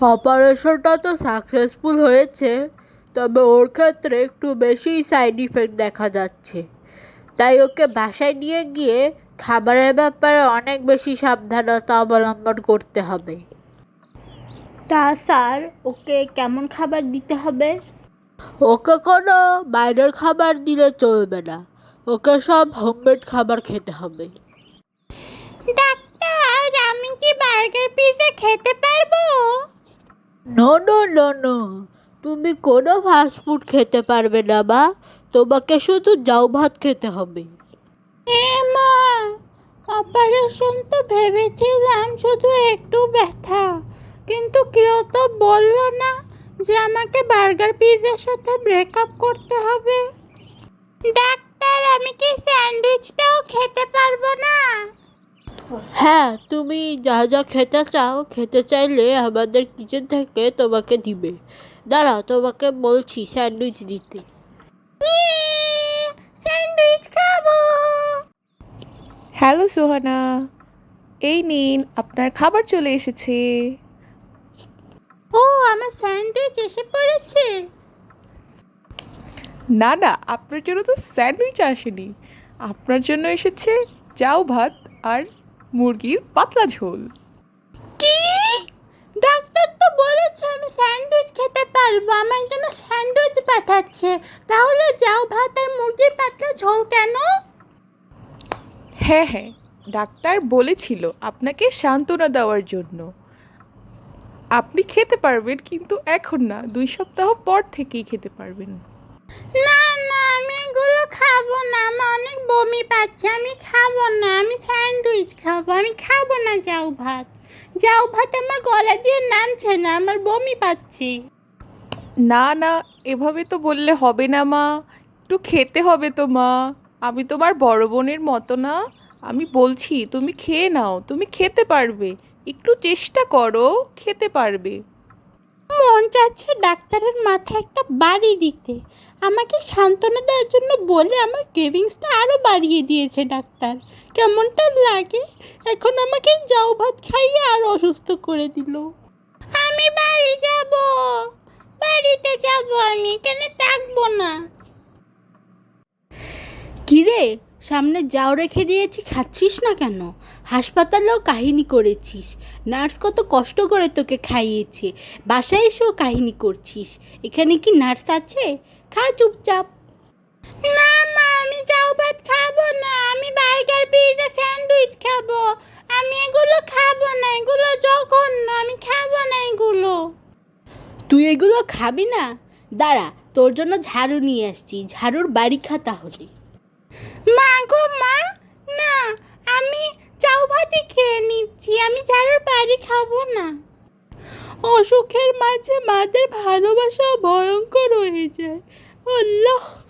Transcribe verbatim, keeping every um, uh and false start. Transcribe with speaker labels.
Speaker 1: অপারেশনটা তো সাকসেসফুল হয়েছে, তবে ওর ক্ষেত্রে একটু বেশি সাইড ইফেক্ট দেখা যাচ্ছে। তাই ওকে বাসায় নিয়ে গিয়ে খাবারের ব্যাপারে অনেক বেশি সাবধানতা অবলম্বন করতে হবে।
Speaker 2: তা স্যার, ওকে কেমন খাবার দিতে হবে?
Speaker 1: ওকে কোনো বাইরের খাবার দিলে চলবে না, ওকে সব হোমমেড খাবার খেতে হবে।
Speaker 2: ডাক্তার, আমি কি বার্গার পিৎজা খেতে পারবো?
Speaker 1: নো নো নো নো, তুমি কোনো ফাস্টফুড খেতে পারবে না মা, তোমাকে শুধু জাউ ভাত খেতে হবে।
Speaker 2: এ মা, অপারেশন তো ভেবেছিলাম শুধু একটু ব্যথা, কিন্তু কেউ তো বললো না যে আমাকে বার্গার পিৎজার সাথে ব্রেকআপ করতে হবে। ডাক্তার, আমি কি স্যান্ডউইচটাও খেতে পারবো না?
Speaker 1: হ্যাঁ, তুমি যা যা খেতে চাও, খেতে চাইলে আমাদের কিচেন থেকে তোমাকে দিবে। দাঁড়াও, তোমাকে বলছি স্যান্ডউইচ দিতে।
Speaker 2: স্যান্ডউইচ খাবো।
Speaker 3: হ্যালো সোহানা, এই নিন আপনার খাবার চলে এসেছে।
Speaker 2: ও, আমার স্যান্ডউইচ এসে পড়েছে।
Speaker 3: না না, আপনার জন্য তো স্যান্ডউইচ আসেনি, আপনার জন্য এসেছে চাউ ভাত আর মুরগির পাতলা ঝোল।
Speaker 2: কি? ডাক্তার তো বলেছে আমি স্যান্ডউইচ খেতে পারবো, আমার জন্য স্যান্ডউইচ পাঠাচ্ছে। তাহলে যাও ভাত আর মুরগির পাতলা ঝোল কেন?
Speaker 3: হ্যাঁ হ্যাঁ, ডাক্তার বলেছিল আপনাকে সান্ত্বনা দেওয়ার জন্য। আপনি খেতে পারবেন, কিন্তু এখন না, দুই সপ্তাহ পর থেকেই খেতে পারবেন।
Speaker 2: না না, আমি এগুলো খাবো না, আমার অনেক বমি পাচ্ছে, আমি খাবো না, আমি স্যান্ডউইচ খাবো, আমি খাবো না যাও ভাত। যাও ভাত আমার গলা দিয়ে নামছে না, আমার বমি পাচ্ছে।
Speaker 3: না না, এভাবে তো বললে হবে না মা, একটু খেতে হবে তো মা, আমি তোমার বড় বোনের মতো না। আমি বলছি তুমি খেয়ে নাও, তুমি খেতে পারবে, একটু চেষ্টা করো, খেতে পারবে।
Speaker 2: মন চাচ্ছে ডাক্তারের মাথায় একটা বাড়ি দিতে। আমাকে সান্ত্বনা দেওয়ার জন্য বলে আমার ক্রেভিংসটা আরও বাড়িয়ে দিয়েছে ডাক্তার। কেমনটা লাগে? এখন আমাকে যাও ভাত খাইয়ে আর অসুস্থ করে দিল। আমি বাড়ি যাব, বাড়িতে যাব, আমি এখানে থাকবো না।
Speaker 1: কিরে, সামনে যাও রেখে দিয়েছি, খাচ্ছিস না কেন? হাসপাতালেও কাহিনী করেছিস, নার্স কত কষ্ট করে তোকে খাইয়েছে, বাসায় এসেও কাহিনী করছিস। এখানে কি নার্স আছে? খা চুপচাপ।
Speaker 2: না মা, আমি যাও ভাত খাবো না, আমি বার্গার পিৎজা স্যান্ডউইচ খাবো। আমি এগুলো খাবো না, এগুলো জঘন্য, আমি খাবো না এগুলো।
Speaker 1: তুই এগুলো খাবি না? দাঁড়া, তোর জন্য ঝাড়ু নিয়ে আসছি, ঝাড়ুর বাড়ি খা তাহলে।
Speaker 2: মা গো মা, না, আমি চাউ ভাতই খেয়ে নিচ্ছি, আমি ঝাড়ুর বাড়ি খাবো না। অসুখের মাঝে মাদের ভালোবাসা ভয়ঙ্কর হয়ে যায়। আল্লাহ।